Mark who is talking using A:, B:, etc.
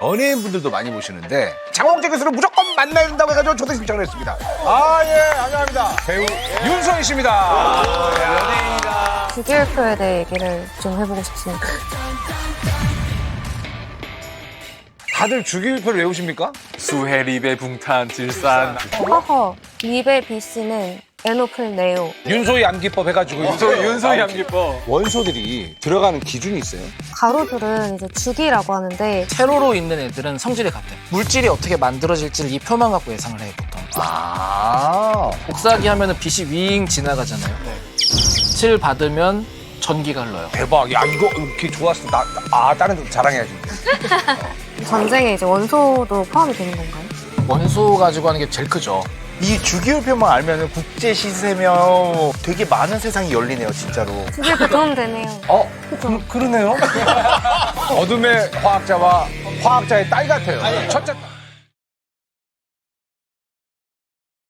A: 연예인분들도 많이 보시는데 장홍재 교수를 무조건 만나야 된다고 해가지고 초대 신청을 했습니다. 예, 안녕합니다. 배우 윤소희 씨입니다. 연예인이다.
B: 주기율표에 대해 얘기를 좀 해보고 싶습니다.
A: 다들 주기율표를 외우십니까?
C: 수해, 리베, 붕탄, 질산.
B: 허허, 리베 B씨는 에노플 네오.
A: 윤소희 암기법 해가지고
C: 윤소희 암기법.
A: 원소들이 들어가는 기준이 있어요?
B: 가로줄은 이제 주기라고 하는데
D: 세로로 있는 애들은 성질이 같아요. 물질이 어떻게 만들어질지를 이 표만 갖고 예상을 해요, 보통. 복사기 하면은 빛이 윙 지나가잖아요. 7 받으면 전기가 흘러요.
A: 대박. 야, 이거 이렇게 좋았어. 다른 데 자랑해야지.
B: 전쟁에 이제 원소도 포함이 되는 건가요?
D: 원소 가지고 하는 게 제일 크죠.
E: 이 주기율표만 알면 국제 시세면 되게 많은 세상이 열리네요, 진짜로.
B: 주기율표 도움 되네요. 그죠?
A: 그러네요. 어둠의 화학자와 화학자의 딸 같아요. 첫째 딸.